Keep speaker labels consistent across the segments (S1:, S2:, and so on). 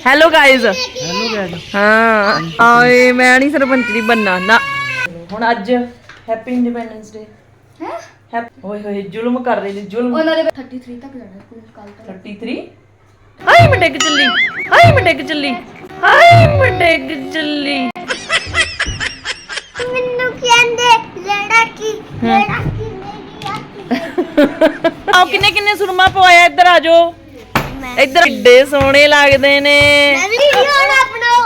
S1: Hello guys हाँ आए मैं नहीं सरपंच नहीं बनना ना हुण अज हैप्पी इंडिपेंडेंस डे है ओए होए जुल्म कर रहे ने जुल्म
S2: ਉਹਨਾਂ ਦੇ 33 तक ਜਾਣਾ ਸਕੂਲ ਕੱਲ ਤੋਂ
S1: 33 हाय मैं डिग चली हाय मैं डिग चली हाय मैं डिग चली
S3: ਮੈਨੂੰ ਕਹਿੰਦੇ ਲੜਕੀ ਮੇਰੀ ਆਤੀ
S1: आओ किन्ने किन्ने सुरमा पवाया इधर आ जाओ इधर ਏਡੇ ਸੋਹਣੇ ਲੱਗਦੇ ਨੇ
S3: ਮੈਂ ਵੀ ਵੀਡੀਓ ਨਾ ਬਣਾਓ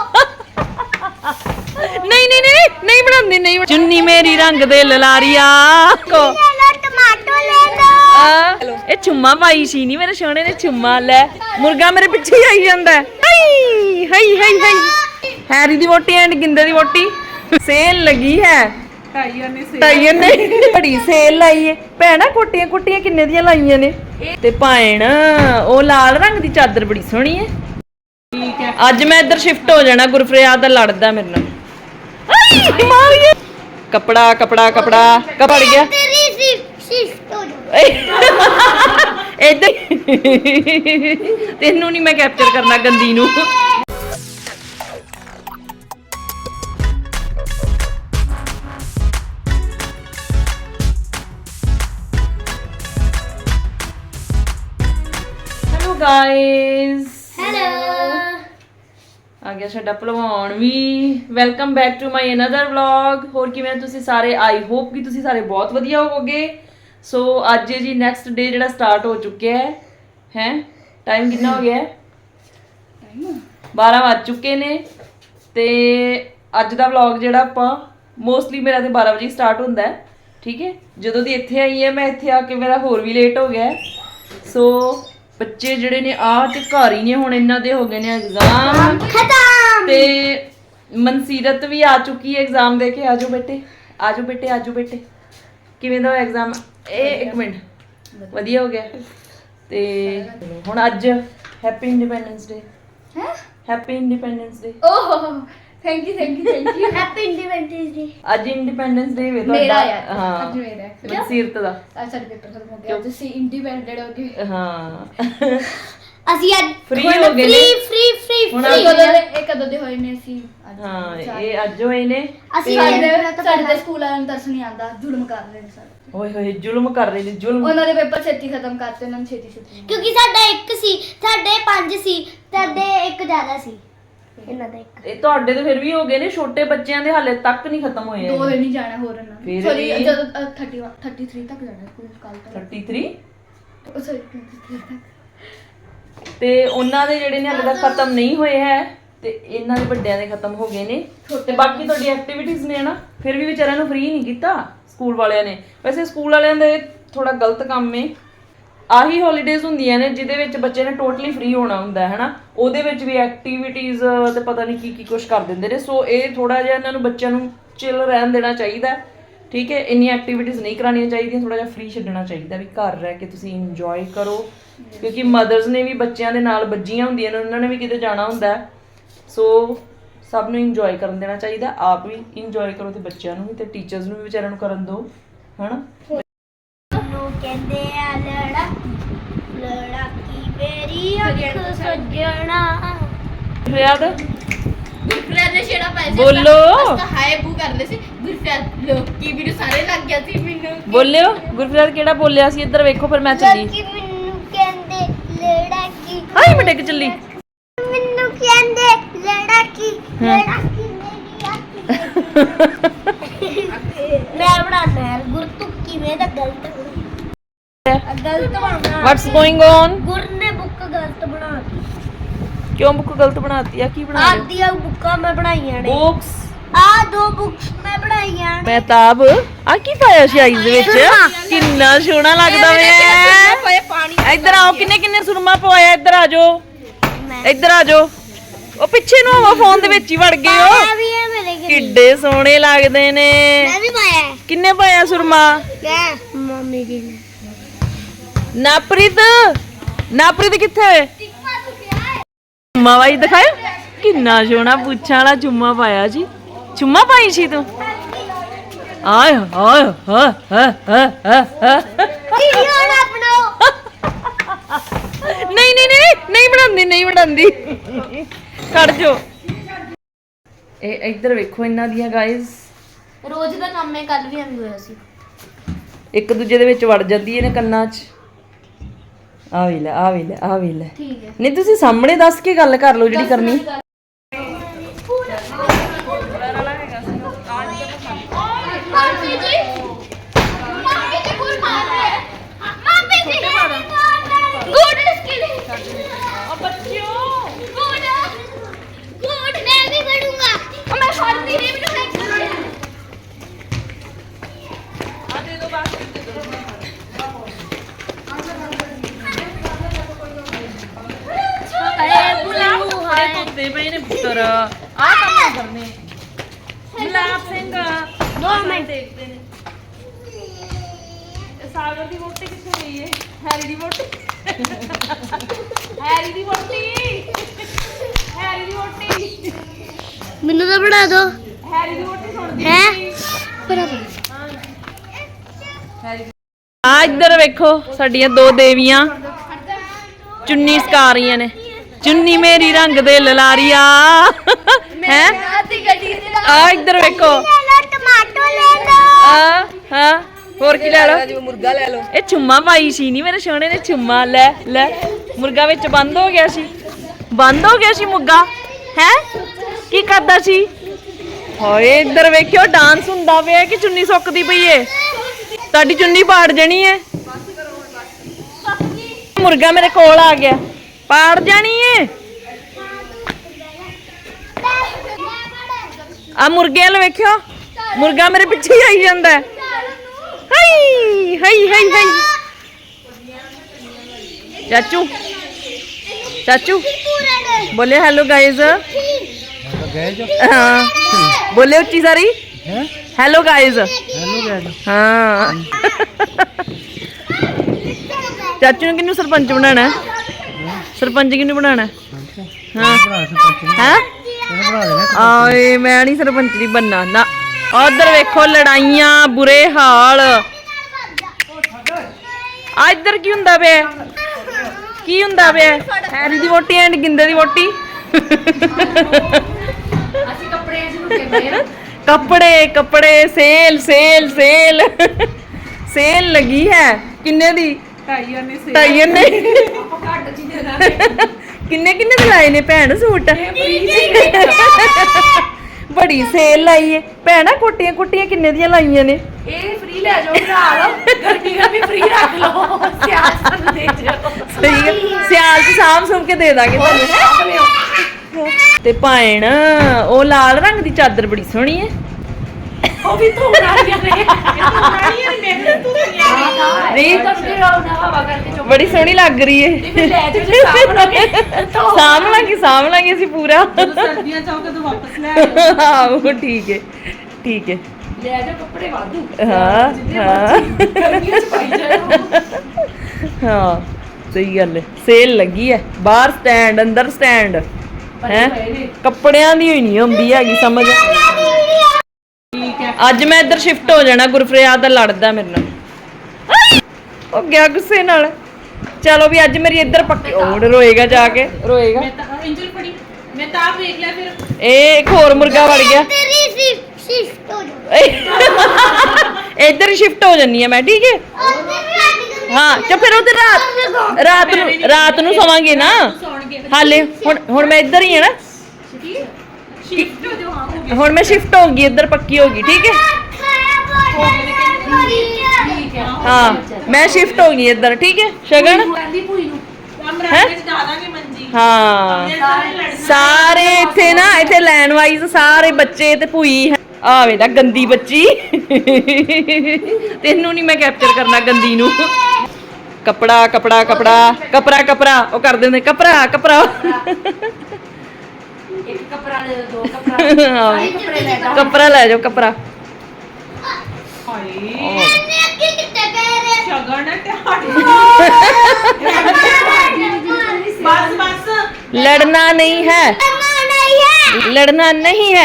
S1: नहीं नहीं नहीं नहीं बनांदी नहीं चुन्नी मेरी रंग दे ललारिया को
S3: ਲੈ ਲਓ ਟਮਾਟੋ ਲੈ ਲਓ
S1: ਇਹ ਚੁੰਮਾ ਪਾਈ ਸੀ ਨਹੀਂ ਮੇਰੇ ਸੋਹਣੇ ਨੇ ਚੁੰਮਾ ਲੈ ਮੁਰਗਾ ਮੇਰੇ ਪਿੱਛੇ ਹੀ ਆਈ ਜਾਂਦਾ ਹਾਈ ਹਾਈ ਹਾਈ ਹਾਈ ਹੈਰੀ ਦੀ ਵੋਟੀ ਐਂਡ ਗਿੰਦੇ ਦੀ ਵੋਟੀ ਸੇਲ ਲੱਗੀ ਹੈ ਟਾਈਆਂ ਨੇ ਬੜੀ ਸੇਲ ਲਾਈ ਏ ਭੈਣਾ ਕੋਟੀਆਂ ਕੁੱਟੀਆਂ ਕਿੰਨੇ ਦੀਆਂ ਲਾਈਆਂ ਨੇ ਤੇ ਭੈਣ ਉਹ ਲਾਲ ਰੰਗ ਦੀ ਚਾਦਰ ਬੜੀ ਸੋਹਣੀ ਏ ਠੀਕ ਹੈ ਅੱਜ ਮੈਂ ਇੱਧਰ ਸ਼ਿਫਟ ਹੋ ਜਾਣਾ ਗੁਰਫਰਿਆਦ ਦਾ ਲੜਦਾ ਮੇਰੇ ਨਾਲ ਹਾਈ ਮਾਰੀਏ ਕਪੜਾ ਕਪੜਾ ਕਪੜਾ ਕਪੜ ਗਿਆ
S3: ਤੇਰੀ ਸ਼ਿਫਟ ਹੋ ਜਾ
S1: ਇੱਧਰ ਤੈਨੂੰ ਨਹੀਂ ਮੈਂ ਕੈਪਚਰ ਕਰਨਾ ਗੰਦੀ ਨੂੰ ਹੈਲੋ ਗਾਇਸ
S3: ਹੈਲੋ
S1: ਆ ਗਿਆ ਸਾਡਾ ਭਲਵਾਨ ਵੀ welcome back to my another vlog ਹੋਰ ਕਿਵੇਂ ਤੁਸੀਂ ਸਾਰੇ ਆਈ ਹੋਪ ਕਿ ਤੁਸੀਂ ਸਾਰੇ ਬਹੁਤ ਵਧੀਆ ਹੋਵੋਗੇ ਸੋ ਅੱਜ ਜੀ ਨੈਕਸਟ ਡੇ ਜਿਹੜਾ ਸਟਾਰਟ ਹੋ ਚੁੱਕਿਆ ਹੈ ਟਾਈਮ ਕਿੰਨਾ ਹੋ ਗਿਆ ਹੈ 12 ਵੱਜ ਚੁੱਕੇ ਨੇ ਤੇ ਅੱਜ ਦਾ ਵਲੌਗ ਜਿਹੜਾ ਆਪਾਂ ਮੋਸਟਲੀ ਮੇਰਾ ਤੇ 12 ਵਜੇ ਸਟਾਰਟ ਹੁੰਦਾ ਹੈ ਠੀਕ ਹੈ ਜਦੋਂ ਦੀ ਇੱਥੇ ਆਈ ਹੈ ਮੈਂ ਇੱਥੇ ਆ ਕੇ ਮੇਰਾ ਹੋਰ ਵੀ ਲੇਟ ਹੋ ਗਿਆ ਸੋ ਬੱਚੇ ਜਿਹੜੇ ਨੇ ਆ ਤੇ ਘਰ ਹੀ ਨੇ ਹੁਣ ਇਹਨਾਂ ਦੇ ਹੋ ਗਏ ਨੇ ਐਗਜ਼ਾਮ
S3: ਖਤਮ
S1: ਤੇ ਮਨਸੀਰਤ ਵੀ ਆ ਚੁੱਕੀ ਹੈ ਐਗਜ਼ਾਮ ਦੇ ਕੇ ਆਜੋ ਬੇਟੇ ਆਜੋ ਬੇਟੇ ਆਜੋ ਬੇਟੇ ਕਿਵੇਂ ਦਾ ਐਗਜ਼ਾਮ ਇਹ ਇੱਕ ਮਿੰਟ ਵਧੀਆ ਹੋ ਗਿਆ ਤੇ ਹੁਣ ਅੱਜ ਹੈਪੀ ਇੰਡੀਪੈਂਡੈਂਸ ਡੇ
S2: ਹੈ
S1: happy independence day
S2: oh thank you
S3: happy independence day
S1: ਅੱਜ ਇੰਡੀਪੈਂਡੈਂਸ ਡੇ ਵੇ
S2: ਮੇਰਾ
S1: ਤੁਹਾਡਾ
S2: ਯਾਰ
S1: ਹਾਂ
S2: ਅੱਜ ਮੇਰਾ ਹੈ
S1: ਮਨਸੀਰਤ ਦਾ
S2: ਸਾਡੇ ਪੇਪਰ ਖਤਮ ਹੋ ਗਿਆ ਤੁਸੀਂ ਇੰਡੀਪੈਂਡੈਂਟ ਹੋ ਗਏ
S1: ਹਾਂ
S3: ਅਸੀਂ ਅੱਜ
S1: Free ਹੋ ਗਏ ਨੇ।
S3: ਫ੍ਰੀ
S1: ਹੁਣ
S2: ਕਦੋਂ ਦੇ ਹੋਏ ਨੇ ਅਸੀਂ
S1: ਹਾਂ ਇਹ ਅੱਜ ਹੋਏ ਨੇ
S3: ਅਸੀਂ
S2: ਸਾਡੇ ਸਕੂਲ ਵਾਲਿਆਂ ਨੂੰ ਤਰਸ ਨਹੀਂ ਆਉਂਦਾ ਜ਼ੁਲਮ ਕਰ ਰਹੇ ਨੇ ਸਾਡੇ
S1: ਓਏ ਹੋਏ ਜ਼ੁਲਮ ਕਰ ਰਹੇ ਨੇ ਜ਼ੁਲਮ
S2: ਉਹਨਾਂ ਦੇ ਪੇਪਰ ਛੇਤੀ ਖਤਮ ਕਰਤੇ ਉਹਨਾਂ ਨੂੰ ਛੇਤੀ
S3: ਕਿਉਂਕਿ ਸਾਡਾ ਇੱਕ ਸੀ ਸਾਡੇ 5 ਸੀ ਤੁਹਾਡੇ ਇੱਕ ਜ਼ਿਆਦਾ ਸੀ ਇਹਨਾਂ ਦਾ ਇੱਕ
S1: ਇਹ ਤੁਹਾਡੇ ਤੇ ਫਿਰ ਵੀ ਹੋ ਗਏ ਨੇ ਛੋਟੇ ਬੱਚਿਆਂ ਦੇ ਹਾਲੇ ਤੱਕ ਨਹੀਂ ਖਤਮ ਹੋਏ
S2: ਦੋ ਦਿਨ ਨਹੀਂ ਜਾਣਾ ਹੋਰ ਇਹਨਾਂ
S1: ਫਿਰ
S2: ਸੌਰੀ
S1: ਵੀ-
S2: ਜਦੋਂ 33 ਤੱਕ ਜਾਣਾ ਸਕੂਲ ਕੱਲ ਤੋਂ
S1: 33
S2: ਸੌਰੀ 33 ਤੱਕ
S1: ਤੇ ਉਹਨਾਂ ਦੇ ਜਿਹੜੇ ਨੇ ਹਾਲੇ ਤੱਕ ਖਤਮ ਨਹੀਂ ਹੋਏ ਹੈ ਤੇ ਇਹਨਾਂ ਦੇ ਵੱਡਿਆਂ ਦੇ ਖਤਮ ਹੋ ਗਏ ਨੇ ਤੇ ਬਾਕੀ ਤੁਹਾਡੀ ਐਕਟੀਵਿਟੀਜ਼ ਨੇ ਨਾ ਫਿਰ ਵੀ ਵਿਚਾਰਿਆਂ ਨੂੰ ਫ੍ਰੀ ਨਹੀਂ ਕੀਤਾ ਸਕੂਲ ਵਾਲਿਆਂ ਨੇ ਵੈਸੇ ਸਕੂਲ ਵਾਲਿਆਂ ਦਾ ਥੋੜਾ ਗਲਤ ਕੰਮ ਹੈ ਆਹੀ ਹੌਲੀਡੇਜ਼ ਹੁੰਦੀਆਂ ਨੇ ਜਿਹਦੇ ਵਿੱਚ ਬੱਚੇ ਨੇ ਟੋਟਲੀ ਫ੍ਰੀ ਹੋਣਾ ਹੁੰਦਾ ਹੈ ਹਨਾ ਉਹਦੇ ਵਿੱਚ ਵੀ ਐਕਟੀਵਿਟੀਜ਼ ਤੇ ਪਤਾ ਨਹੀਂ ਕੀ ਕੀ ਕੁਝ ਕਰ ਦਿੰਦੇ ਨੇ ਸੋ ਇਹ ਥੋੜਾ ਜਿਹਾ ਇਹਨਾਂ ਨੂੰ ਬੱਚਿਆਂ ਨੂੰ ਚਿਲ ਰਹਿਣ ਦੇਣਾ ਚਾਹੀਦਾ ਠੀਕ ਹੈ ਇੰਨੀਆਂ ਐਕਟੀਵਿਟੀਜ਼ ਨਹੀਂ ਕਰਾਉਣੀਆਂ ਚਾਹੀਦੀਆਂ ਥੋੜਾ ਜਿਹਾ ਫ੍ਰੀ ਛੱਡਣਾ ਚਾਹੀਦਾ ਵੀ ਘਰ ਰਹਿ ਕੇ ਤੁਸੀਂ ਇੰਜੋਏ ਕਰੋ ਕਿਉਂਕਿ ਮਦਰਸ ਨੇ ਵੀ ਬੱਚਿਆਂ ਦੇ ਨਾਲ ਬੱਜੀਆਂ ਹੁੰਦੀਆਂ ਨੇ ਉਹਨਾਂ ਨੇ ਵੀ ਕਿਤੇ ਜਾਣਾ ਹੁੰਦਾ ਸੋ ਸਭ ਨੂੰ ਇੰਜੋਏ ਕਰਨ ਦੇਣਾ ਚਾਹੀਦਾ ਆਪ ਵੀ ਇੰਜੋਏ ਕਰੋ ਤੇ ਬੱਚਿਆਂ ਨੂੰ ਵੀ ਤੇ ਟੀਚਰਸ ਨੂੰ ਵੀ ਵਿਚਾਰਿਆਂ ਨੂੰ ਕਰਨ ਦਿਓ ਹਨਾ
S3: ਨੂੰ ਕਹਿੰਦੇ ਆ ਲੜਕੀ ਮੇਰੀ ਅੱਖ ਸੱਜਣਾ
S1: ਯਾਦ
S2: ਗੁਰਫਰਿਆਦ ਨੇ ਛੇੜਾ ਪਾਇਆ
S1: ਬੋਲੋ
S2: ਹਾਏ ਬੂ ਕਰਦੇ ਸੀ ਗੁਰਫਰਿਆਦ ਲੋਕੀ ਵੀਡੀਓ ਸਾਰੇ ਲੱਗ ਗਿਆ ਸੀ ਮੈਨੂੰ
S1: ਬੋਲਿਓ ਗੁਰਫਰਿਆਦ ਕਿਹੜਾ ਬੋਲਿਆ ਸੀ ਇੱਧਰ ਵੇਖੋ ਫਿਰ ਮੈਂ ਚੱਲੀ
S3: ਲੜਕੀ ਮੈਨੂੰ ਕਹਿੰਦੇ ਲੜਕੀ
S1: ਹਾਏ ਮੈਂ ਡਿੱਗ ਚੱਲੀ
S3: ਮੈਨੂੰ ਕਹਿੰਦੇ ਲੜਕੀ ਮੇਰੀ ਆਤੀ ਮੈਂ ਬਣਾਣਾ ਹੈ ਗੁਰਤੁ ਕਿਵੇਂ ਦਾ ਗਲਤ ਬਣਾਉਣਾ
S1: ਵਾਟਸ ਗੋਇੰਗ ਔਨ
S3: ਗੁਰ ਨੇ ਬੁੱਕ ਗਲਤ ਬਣਾਤੀ
S1: ਕਿਉਂ ਬੁੱਕ ਗਲਤ ਬਣਾਤੀ ਆ ਕੀ ਬਣਾ ਰਹੇ
S3: ਆਦੀਆਂ ਬੁੱਕਾਂ ਮੈਂ ਬਣਾਈਆਂ ਨੇ
S1: ਬੁੱਕਸ
S3: ਆ ਦੋ ਬੁੱਕਸ ਮੈਂ ਬਣਾਈਆਂ ਨੇ
S1: ਮਹਿਤਾਬ ਆ ਕੀ ਪਾਇਆ ਸੀ ਆਈਜ਼ ਵਿੱਚ ਕਿੰਨਾ ਸੋਹਣਾ ਲੱਗਦਾ ਵੇ
S2: ਪਾਣੀ
S1: ਇੱਧਰ ਆਓ ਕਿੰਨੇ ਕਿੰਨੇ ਸੁਰਮਾ ਪਵਾਇਆ ਇੱਧਰ ਆ ਜਾਓ ਇੱਧਰ ਆ ਜਾਓ ਉਹ ਪਿੱਛੇ ਨੂੰ ਆਵਾ ਫੋਨ ਦੇ ਵਿੱਚ ਹੀ ਵੜ ਗਏ ਹੋ
S3: ਆ ਵੀ ਹੈ ਮੇਰੇ ਕੋਲ
S1: ਕਿੱਡੇ ਸੋਹਣੇ ਲੱਗਦੇ ਨੇ
S3: ਮੈਂ ਵੀ ਪਾਇਆ ਹੈ
S1: ਕਿੰਨੇ ਪਾਇਆ ਸੁਰਮਾ
S3: ਕਿਆ ਮੰਮੀ ਜੀ ਨੇ
S1: ਨਾਪ੍ਰੀਤ ਨਾਪ੍ਰੀਤ ਕਿੱਥੇ ਚੁੰਮਾ ਵਾਈ ਦਿਖਾਇਆ ਕਿੰਨਾ ਸੋਹਣਾ ਪੁੱਛਾਂ ਵਾਲਾ ਚੁੰਮਾ ਪਾਇਆ ਜੀ ਚੁੰਮਾ ਪਾਈ ਸੀ ਤੂੰ ਆਏ ਹਾਏ ਹਾ
S3: ਵੀਡੀਓ ਨਾ ਬਣਾਓ
S1: ਨਹੀਂ ਨਹੀਂ ਨਹੀਂ ਨਹੀਂ ਬਣਾਉਂਦੀ ਨਹੀਂ ਬਣਾਉਂਦੀ ਖੜ ਜੋ ਇਹ ਇੱਧਰ ਵੇਖੋ ਇਹਨਾਂ ਦੀਆਂ ਗਾਇਜ਼
S3: ਰੋਜ਼ ਦਾ ਕੰਮ ਹੈ ਕੱਲ ਵੀ ਐਵੇਂ ਹੋਇਆ ਸੀ
S1: ਇੱਕ ਦੂਜੇ ਦੇ ਵਿੱਚ ਵੜ ਜਾਂਦੀ ਨੇ ਕੰਨਾਂ 'ਚ ਆ ਵੀ ਲੈ ਆ ਵੀ ਲੈ ਆ ਵੀ ਲੈ
S3: ਠੀਕ ਹੈ
S1: ਨਹੀਂ ਤੁਸੀਂ ਸਾਹਮਣੇ ਦੱਸ ਕੇ ਗੱਲ ਕਰ ਲਓ ਜਿਹੜੀ ਕਰਨੀ
S3: ਮਾਮੀ ਜੀ ਮਾਮੀ ਜੀ ਕੋਲ ਮਾਰ ਰਹੇ ਹੈ ਮਾਮੀ ਜੀ ਗੁੱਡ ਸਕਿਲ
S1: ਓ ਬੱਚਿਓ
S3: ਗੁੱਡ ਗੁੱਡ ਮੈਂ ਵੀ ਕਰੂੰਗਾ ਮੈਂ ਫੜਦੀ ਨਹੀਂ ਮੈਨੂੰ ਹੈਕ ਕਰ
S1: ਆ ਦੇ ਦੋ ਬਾਸ ਦੇ ਦੋ ਕੁੱਤੇ ਪਏ ਨੇ ਪੁੱਤਰ ਆ ਕੰਮ ਕਰਨੇ ਗੁਲਾਬ ਸਿੰਘ
S3: 2 ਮਿੰਟ
S1: ਦੇਖਦੇ ਨੇ ਸਾਗਰ ਦੀ ਵੋਟੀ ਕਿੱਥੇ ਗਈ ਹੈ ਹੈਰੀ ਦੀ ਵੋਟੀ ਹੈਰੀ ਦੀ ਵੋਟੀ ਹੈਰੀ ਦੀ ਵੋਟੀ
S3: ਮੈਨੂੰ ਤਾਂ ਬਣਾ ਦੋ
S1: ਹੈਰੀ ਦੀ ਵੋਟੀ ਸੁਣਦੀ
S3: ਹੈ ਬਰਾਬਰ
S1: ਆ ਇੱਧਰ ਵੇਖੋ ਸਾਡੀਆਂ ਦੋ ਦੇਵੀਆਂ ਚੁੰਨੀ ਸਕਾ ਰਹੀਆਂ ਨੇ ਚੁੰਨੀ ਮੇਰੀ ਰੰਗ ਦੇ ਲਲਾਰੀਆ ਹੈ
S3: ਆਤੀ ਗੱਡੀ ਦੇ
S1: ਆ ਇੱਧਰ ਵੇਖੋ
S3: ਟਮਾਟੋ ਲੈ ਲਓ
S1: ਆ ਹਾਂ ਹੋਰ ਕੀ ਲੈ ਲਓ ਮੁਰਗਾ ਲੈ ਲਓ ਇਹ ਚੁੰਮਾ ਪਾਈ ਸੀ ਨਹੀਂ ਮੇਰੇ ਸੋਹਣੇ ਨੇ ਚੁੰਮਾ ਲੈ ਲੈ ਮੁਰਗਾ ਵਿੱਚ ਬੰਦ ਹੋ ਗਿਆ ਸੀ ਮੁਰਗਾ ਹੈ ਕੀ ਕਰਦਾ ਸੀ ਹੋਏ ਇੱਧਰ ਵੇਖਿਓ ਡਾਂਸ ਹੁੰਦਾ ਪਿਆ ਕਿ ਚੁੰਨੀ ਸੁੱਕਦੀ ਪਈ ਏ ਤੁਹਾਡੀ ਚੁੰਨੀ ਪਾੜ ਜਣੀ ਏ ਮੁਰਗਾ ਮੇਰੇ ਕੋਲ ਆ ਗਿਆ ਪਾੜ ਜਾਣੀ ਏ ਆ ਮੁਰਗੇ ਵਾਲ ਵੇਖਿਓ ਮੁਰਗਾ ਮੇਰੇ ਪਿੱਛੇ ਹੀ ਆਈ ਜਾਂਦਾ ਹਾਈ ਹਾਈ ਹਾਈ ਹਾਈ ਚਾਚੂ बोले हेलो गाइस हाँ बोले उच्ची सारी हेलो गाइस हाँ चाचू ने किन्नू सरपंच बनाना सरपंच किन्नू बनाना हाँ हैं आए मैं नहीं सरपंच नहीं बनना ना उधर वेखो लड़ाइयां बुरे हाल आ इधर की हुंदा पे ਕੀ ਹੁੰਦਾ ਪਿਆ ਹੈਰੀ ਦੀ ਵੋਟੀ ਐਂਡ ਗਿੰਦੇ ਦੀ ਵੋਟੀ
S2: ਅਸੀਂ ਕੱਪੜੇ ਚ ਲੁਕੇ ਪਏ ਆ
S1: ਕੱਪੜੇ ਸੇਲ ਸੇਲ ਸੇਲ ਸੇਲ ਲੱਗੀ ਹੈ ਕਿੰਨੇ ਦੀ 2.5 ਨੇ
S2: ਘੱਟ ਚ ਦੇ ਦਾਂਗੇ
S1: ਕਿੰਨੇ ਦੇ ਲਾਏ ਨੇ ਭੈਣ ਸੂਟ ਬੜੀ ਸੇਲ ਲਾਈ ਏ ਭੈਣਾ ਕੋਟੀਆਂ ਕਿੰਨੇ ਦੀਆਂ ਲਾਈਆਂ ਨੇ
S2: ਇਹ ਫ੍ਰੀ ਲੈ ਜਾਓ ਨਾਲ ਗਰਮੀ ਫ੍ਰੀ ਰੱਖ ਲਓ ਸਿਆਲ ਸਾਨੂੰ ਦੇ ਜਾਓ
S1: ਸਹੀ ਹੈ ਸਿਆਲ ਚ ਸਾਂਭ ਸੁੰਭ ਕੇ ਦੇ ਦਾਂਗੇ ਤੁਹਾਨੂੰ ਤੇ ਭੈਣ ਉਹ ਲਾਲ ਰੰਗ ਦੀ ਚਾਦਰ ਬੜੀ ਸੋਹਣੀ ਹੈ
S2: ਉਹ ਵੀ ਧੋਣ ਵਾਲੀਆਂ ਨੇ ਮੇਰੇ ਤੂੰ
S1: ਨਹੀਂ
S2: ਤੜਕੇ ਨਾ ਹਵਾ ਕਰਕੇ ਚੁੱਪ
S1: ਬੜੀ ਸੋਹਣੀ ਲੱਗ ਰਹੀ ਹੈ
S2: ਫਿਰ ਲੈ ਜਾਓ ਜੇ ਸਾਂਭ ਲਓਗੇ
S1: ਸਾਂਭ ਲਾਂਗੇ ਅਸੀਂ ਪੂਰਾ
S2: ਸਰਦੀਆਂ ਚ ਆਓਗੇ ਤਾਂ ਵਾਪਸ ਲੈ ਆਇਓ
S1: ਆਹੋ ਠੀਕ ਹੈ
S2: ਲੈ ਜਾਓ ਕੱਪੜੇ ਵਾਧੂ
S1: ਹਾਂ
S2: ਗਰਮੀਆਂ ਚ ਪਾਈ ਜਾਓ
S1: ਹਾਂ ਸਹੀ ਗੱਲ ਹੈ ਸੇਲ ਲੱਗੀ ਹੈ ਬਾਹਰ ਸਟੈਂਡ ਅੰਦਰ ਸਟੈਂਡ ਹੈ ਕੱਪੜਿਆਂ ਦੀ ਹੋਈ ਨਹੀਂ ਹੁੰਦੀ ਹੈਗੀ ਸਮਝ
S2: ਠੀਕ ਹੈ
S1: ਅੱਜ ਮੈਂ ਇੱਧਰ ਸ਼ਿਫਟ ਹੋ ਜਾਣਾ ਗੁਰਫਰਿਆਦ ਦਾ ਲੜਦਾ ਮੇਰੇ ਨਾਲ ਉਹ ਗਿਆ ਗੁੱਸੇ ਨਾਲ ਚਲੋ ਵੀ ਅੱਜ ਮੇਰੀ ਇੱਧਰ ਪੱਕੀ ਓੜ ਰੋਏਗਾ ਜਾ ਕੇ ਰੋਏਗਾ
S2: ਮੈਂ ਤਾਂ ਇੰਜਲ ਫੜੀ ਮੈਂ ਤਾਂ ਆਪ ਵੇਖ ਲਿਆ ਫਿਰ
S1: ਇਹ ਇੱਕ ਹੋਰ ਮੁਰਗਾ ਵੜ ਗਿਆ
S3: ਤੇਰੀ ਸ਼ਿਫਟ ਹੋ ਜਾ
S1: ਇੱਧਰ ਹੀ ਸ਼ਿਫਟ ਹੋ ਜੰਨੀ ਆ ਮੈਂ ਠੀਕ ਹੈ ਹਾਂ ਚਾ ਫਿਰ ਉਹਦੇ ਰਾਤ ਨੂੰ ਸੌਵਾਂਗੇ ਨਾ
S2: ਸੌਣਗੇ
S1: ਹਾਲੇ ਹੁਣ ਮੈਂ ਇੱਧਰ ਹੀ ਆ ਨਾ
S2: ਸ਼ਿਫਟ ਹੋ ਜਾਓ ਹਾਂ ਹੋ ਗਏ
S1: ਹੁਣ ਮੈਂ ਸ਼ਿਫਟ ਹੋ ਗਈ ਇੱਧਰ ਪੱਕੀ ਹੋ ਗਈ ਠੀਕ ਹੈ
S2: ਠੀਕ ਹੈ
S1: ਹਾਂ ਮੈਂ ਸ਼ਿਫਟ ਹੋ ਗਈ ਇੱਧਰ ਠੀਕ ਹੈ ਸ਼ਗਨ
S2: ਕਹਿੰਦੀ ਭੂਈ ਨੂੰ
S1: ਹੈਂ?
S2: ਕਮਰੇ ਚ ਡਾ ਦਾਂਗੇ ਮੰਜੀ
S1: ਹਾਂ
S2: ਸਾਰੇ ਲੜਨਾ
S1: ਸਾਰੇ ਇੱਥੇ ਨਾ ਇੱਥੇ ਲਾਈਨ ਵਾਈਜ਼ ਸਾਰੇ ਬੱਚੇ ਤੇ ਭੂਈ ਆ ਵੇਲਾ ਗੰਦੀ ਬੱਚੀ ਤੈਨੂੰ ਨਹੀਂ ਮੈਂ ਕੈਪਚਰ ਕਰਨਾ ਗੰਦੀ ਨੂੰ ਕਪੜਾ ਉਹ ਕਰ ਦਿੰਦੇ ਕਪੜਾ
S2: ਇੱਕ ਕਪੜਾ ਲੈ ਦੋ ਕਪੜਾ ਸਾਰੇ ਕੱਪੜੇ ਲੈ ਜਾ
S1: ਕਪੜਾ ਲੈ ਜਾਓ ਕਪੜਾ
S2: ਹਾਏ
S3: ਇਹਨੇ ਅੱਗੇ ਕਿੱਥੇ ਪੈ ਰਹੇ
S2: ਸ਼ਗਨ ਤੇ ਬਸ
S1: लड़ना नहीं है लड़ना नहीं है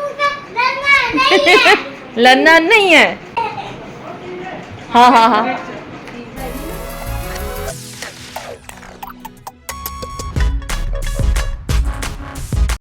S1: लड़ना नहीं है हाँ